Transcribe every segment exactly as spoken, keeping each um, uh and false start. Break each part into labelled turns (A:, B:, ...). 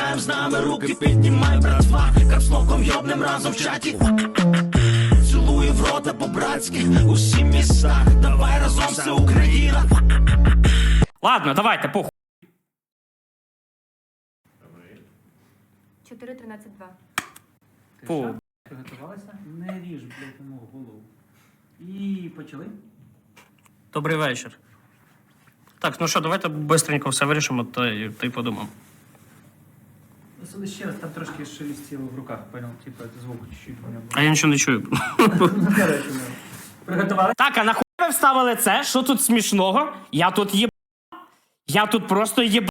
A: Вступаєм з нами, руки піднімай, братва. Капслоком йобнем разом в чаті. Цілую в рота по-братськи, усі міста. Давай разом, все Україна.
B: Ладно, давайте, похуй.
C: чотири тринадцять два.
B: Фу.
D: Приготувалися? Не ріж, блядь, йому голову. І почали.
B: Добрий вечір. Так, ну що, давайте бистренько все вирішимо, та й, та й подумаємо.
D: Василий, ще раз, там трошки шелестіло в руках, понял? Типа, звук чуть-чуть у мене був.
B: А я нічого не чую.
D: Приготували?
B: Так, а нахуй ви вставили це? Що тут смішного? Я тут єб... Я тут просто єб...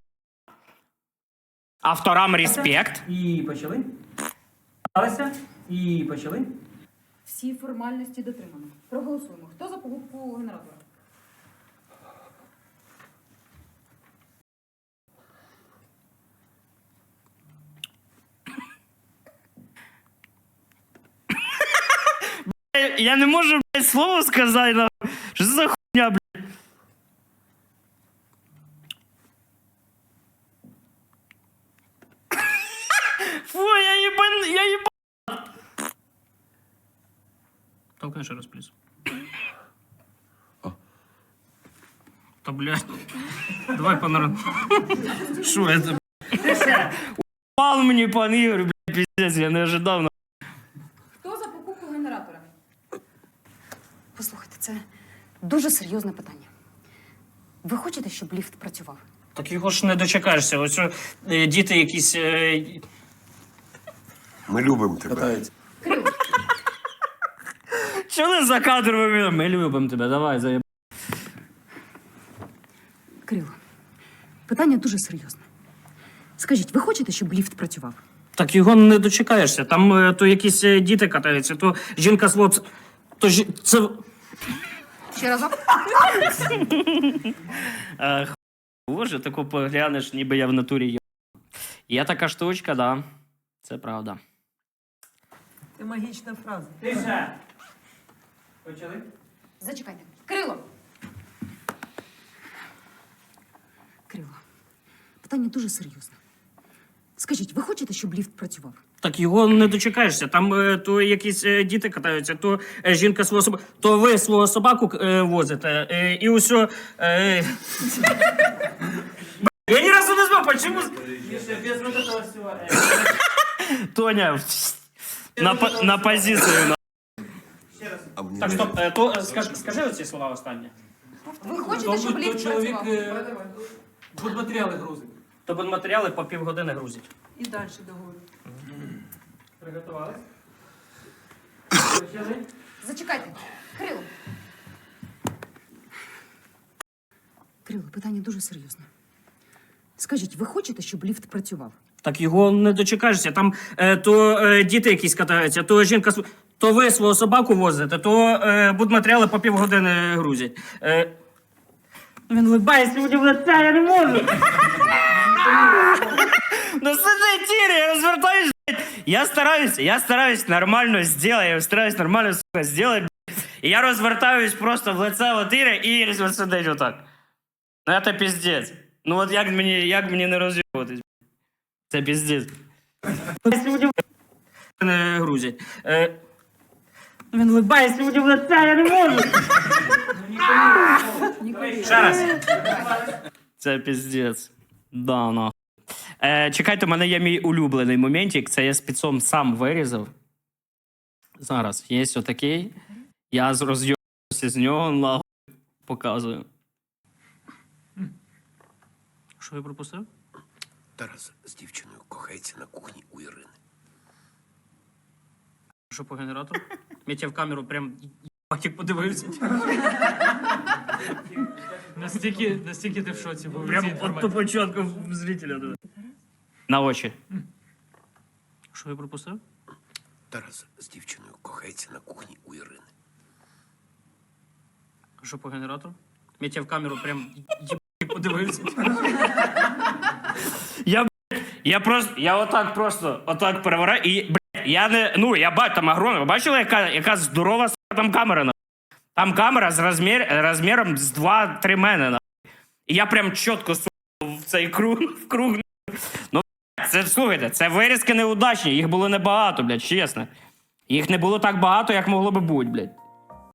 B: Авторам респект.
D: І почали. Приготувалися? І почали.
E: Всі формальності дотримано. Проголосуємо. Хто за покупку генератора?
B: Я не можу, блядь, слово сказати. нахуй. Що це за хуйня, блядь? Фу, я ебан... Я ебан... Толкни ще раз, плюс. Та, блядь. Давай по нормальному. Шо это, блядь? Упал мені, пан Ігор, блядь, пиздец, я не ожидав.
E: Хто за покупку генератора?
F: Послухайте, це дуже серйозне питання. Ви хочете, щоб ліфт працював?
B: Так його ж не дочекаєшся. Ось е, діти якісь... Е...
G: Ми любимо тебе.
B: Чого за кадром? Ми любимо тебе, давай, заєб...
F: Кирило, питання дуже серйозне. Скажіть, ви хочете, щоб ліфт працював?
B: Так його не дочекаєшся. Там е, то якісь е, діти катаються, то жінка з хлопцем... То жі... Це...
F: Ще разок?
B: Е, х... Боже, таку поглянеш, ніби я в натурі є. Є така штучка, да. Це правда.
H: Це магічна фраза.
D: Тише. Почали?
F: Зачекайте. Кирило! Кирило, питання дуже серйозне. Скажіть, ви хочете, щоб ліфт працював?
B: Так його не дочекаєшся. Там е, то якісь е, діти катаються, то е, жінка свого собаку... То ви свого собаку е, возите, е, і усьо... Е... Я ні разу не знав, почему...
D: Тише, без вот этого всего.
B: Тоня, на, по- на позицію. На...
D: Ще раз.
G: А мені
B: Так,
G: не-
B: стоп, е, то, е, скажи, скажи оці слова останні.
E: Ви хочете, щоб
D: То
E: ліфт
D: чоловік
E: працював?
D: будматеріали грузить.
B: То будматеріали по півгодини грузять.
H: І далі договорю.
D: Приготувались? Почали?
E: Зачекайте. Кирило.
F: Кирило, питання дуже серйозне. Скажіть, ви хочете, щоб ліфт працював?
B: Так його не дочекаєшся. Там е, то е, діти якісь катаються, то жінка... св- То ви свого собаку возите, то е, будматеріали по півгодини грузять. Е... Він улыбається мені в лице, я не можу. Ну сиди, тірі, я розвертаюсь, блядь. Я стараюсь, я стараюсь нормально сделать, я стараюсь нормально, сука, сделать, блядь. І я розвертаюсь просто в лице от Іри, і Ірі сидить отак. Ну це пиздец. Ну от як мені, як мені не роз'єбуватись? Це пиздец. Не грузять. Е... Він улыбається мені в лице, я не можу. Ще раз. Це пиздец. Да, нахуй. Е, чекайте, у мене є мій улюблений моментик. Це я спецом сам вирізав. Зараз. Є отакий. Я з- роз'єбався з нього, нахуй. Показую. Що я пропустив?
G: Тарас з дівчиною кохається на кухні у Ірини.
B: Що по генератору? Мітя в камеру прям як подивився.
D: Настільки, настільки ти в шоці був.
B: Прям от по початку зрителя. Да. На очі. Що я пропустив?
G: Тарас з дівчиною кохається на кухні у Ірини.
B: Що по генератору? Мітя в камеру прям як подивився. Я, блядь, я просто, я отак просто, отак перевораю і, блядь, я не, ну, я бачу, там огромна, ви бачили, яка, яка здорова сука, там камера, на? Там камера з розмір, розміром з два-три мене, на. І я прям чітко, сука, в цей круг, в круг, ну, це слухайте, це вирізки неудачні, їх було небагато, блядь, чесно. Їх не було так багато, як могло би бути, блядь.